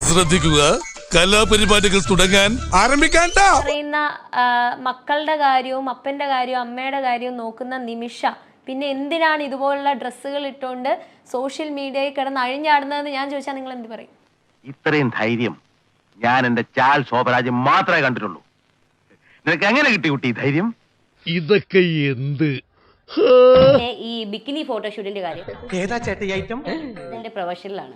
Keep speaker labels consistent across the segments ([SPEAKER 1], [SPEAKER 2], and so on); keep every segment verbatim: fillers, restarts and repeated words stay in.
[SPEAKER 1] ശ്രദ്ധിക്കുക, കലാപരിപാടികൾ തുടങ്ങാൻ ആരംഭിക്കാൻ.
[SPEAKER 2] പറയുന്ന മക്കളുടെ കാര്യവും അപ്പന്റെ കാര്യവും അമ്മയുടെ കാര്യവും നോക്കുന്ന നിമിഷ പിന്നെ എന്തിനാണ് ഇതുപോലുള്ള ഡ്രസ്സുകൾ ഇട്ടുകൊണ്ട് സോഷ്യൽ മീഡിയയിൽ കിടന്ന് അഴിഞ്ഞാടുന്നതെന്ന് ഞാൻ ചോദിച്ചാൽ നിങ്ങൾ എന്ത് പറയും?
[SPEAKER 3] ഇത്രയും ധൈര്യം ഞാൻ എന്റെ ചാൽ ശോഭരാജ് മാത്രമേ കണ്ടിട്ടുള്ളൂ. നിനക്ക് എങ്ങനെ കിട്ടി കുട്ടി ധൈര്യം?
[SPEAKER 4] ഇതൊക്കെ എന്ത്?
[SPEAKER 5] ഈ ബിക്കിനി ഫോട്ടോഷൂട്ടിന്റെ കാര്യം
[SPEAKER 3] ഏതാ ചേട്ട ഈ ഐറ്റം?
[SPEAKER 5] എന്റെ പ്രൊഫഷനിലാണ്.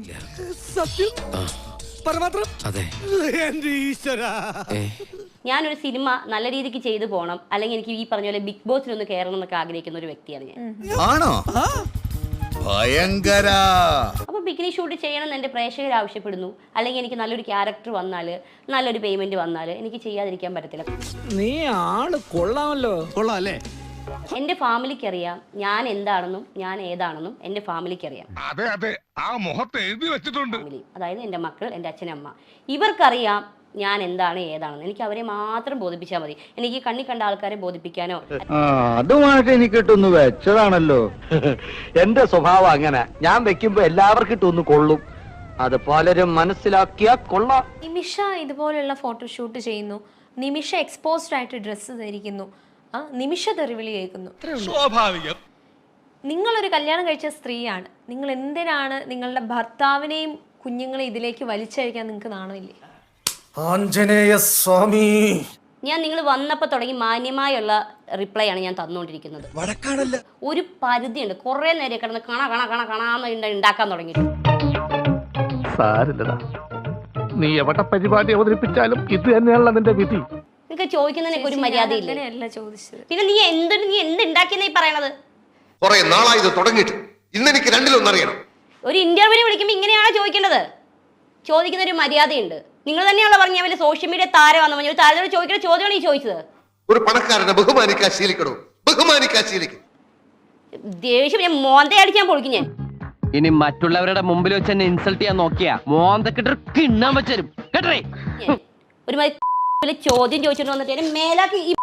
[SPEAKER 5] ഞാനൊരു സിനിമ നല്ല രീതിക്ക് ചെയ്തു പോകണം, അല്ലെങ്കിൽ എനിക്ക് ഈ പറഞ്ഞ പോലെ ബിഗ് ബോസിൽ ഒന്ന് കയറണം എന്നൊക്കെ ആഗ്രഹിക്കുന്ന ഒരു വ്യക്തിയാണ് ഞാൻ.
[SPEAKER 1] ആണോ? ഭയങ്കര.
[SPEAKER 5] അപ്പൊ ബിക്കിനി ഷൂട്ട് ചെയ്യണം എന്ന് എന്റെ പ്രേക്ഷകർ ആവശ്യപ്പെടുന്നു, അല്ലെങ്കിൽ എനിക്ക് നല്ലൊരു ക്യാരക്ടർ വന്നാല് നല്ലൊരു പേയ്മെന്റ് വന്നാല് എനിക്ക് ചെയ്യാതിരിക്കാൻ പറ്റത്തില്ല.
[SPEAKER 6] നീ ആള് കൊള്ളാമല്ലോ.
[SPEAKER 7] കൊള്ളാം അല്ലേ?
[SPEAKER 5] എന്റെ ഫാമിലിക്ക് അറിയാം ഞാൻ എന്താണെന്നും ഞാൻ ഏതാണെന്നും എന്റെ ഫാമിലിക്ക് അറിയാം.
[SPEAKER 1] അതെ അതെ, ആ മുഖത്ത് എഴുതി വെച്ചിട്ടുണ്ട്.
[SPEAKER 5] ഫാമിലി അതായത് എന്റെ മക്കൾ, എന്റെ അച്ഛനമ്മ, ഇവർക്കറിയാം ഞാൻ എന്താണ് ഏതാണെന്ന്. എനിക്ക് അവരെ മാത്രം ബോധിപ്പിച്ചാൽ മതി. എനിക്ക് കണ്ണി കണ്ട ആൾക്കാരെ ബോധിപ്പിക്കാനോ.
[SPEAKER 3] അതുമായിട്ട് എനിക്ക് ഇട്ടൊന്ന് വെച്ചതാണല്ലോ. എന്റെ സ്വഭാവം അങ്ങനെ, ഞാൻ വെക്കുമ്പോ എല്ലാവർക്കും ഇട്ടൊന്ന് കൊള്ളും. അത് പലരും മനസ്സിലാക്കിയാ കൊള്ളാം.
[SPEAKER 2] നിമിഷ ഇതുപോലുള്ള ഫോട്ടോഷൂട്ട് ചെയ്യുന്നു, നിമിഷ എക്സ്പോസ്ഡ് ആയിട്ട് ഡ്രസ്സ് ധരിക്കുന്നു, ആ നിമിഷ തെറിവിളി കേൾക്കുന്നു.
[SPEAKER 1] സ്വാഭാവികം.
[SPEAKER 2] നിങ്ങളൊരു കല്യാണം കഴിച്ച സ്ത്രീയാണ്, നിങ്ങൾ എന്തിനാണ് നിങ്ങളുടെ ഭർത്താവിനെയും കുഞ്ഞുങ്ങളെ ഇതിലേക്ക് വലിച്ചഴിക്കാൻ നിങ്ങൾക്ക് നാണമില്ലേ?
[SPEAKER 7] ആഞ്ജനേയ സ്വാമി,
[SPEAKER 5] ഞാൻ നിങ്ങൾ വന്നപ്പോൾ തുടങ്ങി മാന്യമായുള്ള റിപ്ലൈ ആണ് ഞാൻ തന്നുകൊണ്ടിരിക്കുന്നത്. ഒരു പരിധിയുണ്ട്. കുറെ നേരം കിടന്ന് കണ കണ കണ കണാന്ന് ഉണ്ടാക്കാൻ തുടങ്ങിയിട്ട്.
[SPEAKER 4] സാരില്ലടാ, നീ എവിടെ പരിപാടി അവതരിപ്പിച്ചാലും ഇത് തന്നെയാണല്ലോ നിന്റെ വിധി.
[SPEAKER 5] നിങ്ങൾക്ക് ചോദിക്കുന്നതിനൊക്കെ ഒരു മര്യാദയില്ല.
[SPEAKER 2] അങ്ങനെയല്ല ചോദിച്ചത്.
[SPEAKER 5] പിന്നെ നീ എന്ത് നീ എന്ത് ഉണ്ടാക്കിയെന്നാ ഈ പറയണത്?
[SPEAKER 8] കുറെ നാളായി ഇത് തുടങ്ങിയിട്ട്. ഇന്ന് എനിക്ക് രണ്ടിലൊന്നറിയണം.
[SPEAKER 5] ഒരു ഇന്റർവ്യൂവിന് വിളിക്കുമ്പോൾ ഇങ്ങനെയാണോ ചോദിക്കേണ്ടത്? ചോദിക്കുന്ന ഒരു മര്യാദയുണ്ട്. നിങ്ങൾ തന്നെയാണല്ലോ പറഞ്ഞ വലിയ സോഷ്യൽ മീഡിയ താരമാണെന്ന് പറഞ്ഞു. താരത്തോട് ചോദിക്കുന്ന ചോദ്യമാണ് ഈ ചോദിച്ചത്.
[SPEAKER 8] ഒരു പണക്കാരനെ ബഹുമാനിക്കാൻ ശീലിക്കണോ? ബഹുമാനിക്കാൻ ശീലിക്കും.
[SPEAKER 5] ദേഷ്യം ഞാൻ മോന്തയടിക്കാൻ പൊളിക്കും ഞാൻ.
[SPEAKER 9] ഇനി മറ്റുള്ളവരുടെ മുമ്പിൽ വെച്ച് എന്നെ ഇൻസൾട്ട് ചെയ്യാൻ നോക്കിയാ മോന്തക്കിട്ട് കിണ്ണാൻ വെച്ചരും കേട്ടേ.
[SPEAKER 5] ഒരു മാതിരി ചോദ്യം ചോദിച്ചിട്ട് വന്നിട്ട് മേലാക്കി ഈ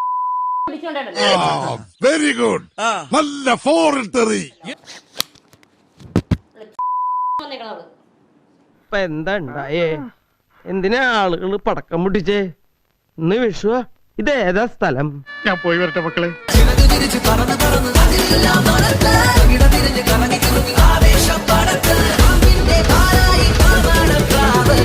[SPEAKER 1] വെരി ഗുഡ്. നല്ല ഫോറിൽ തെറി.
[SPEAKER 9] ഇപ്പൊ എന്താ ഉണ്ടായേ? എന്തിനാ ആളുകൾ പടക്കം പൊട്ടിച്ചേ? ഇന്ന് വിഷുവ. ഇതേതാ സ്ഥലം?
[SPEAKER 4] ഞാൻ പോയി വരട്ടെ മക്കളെ.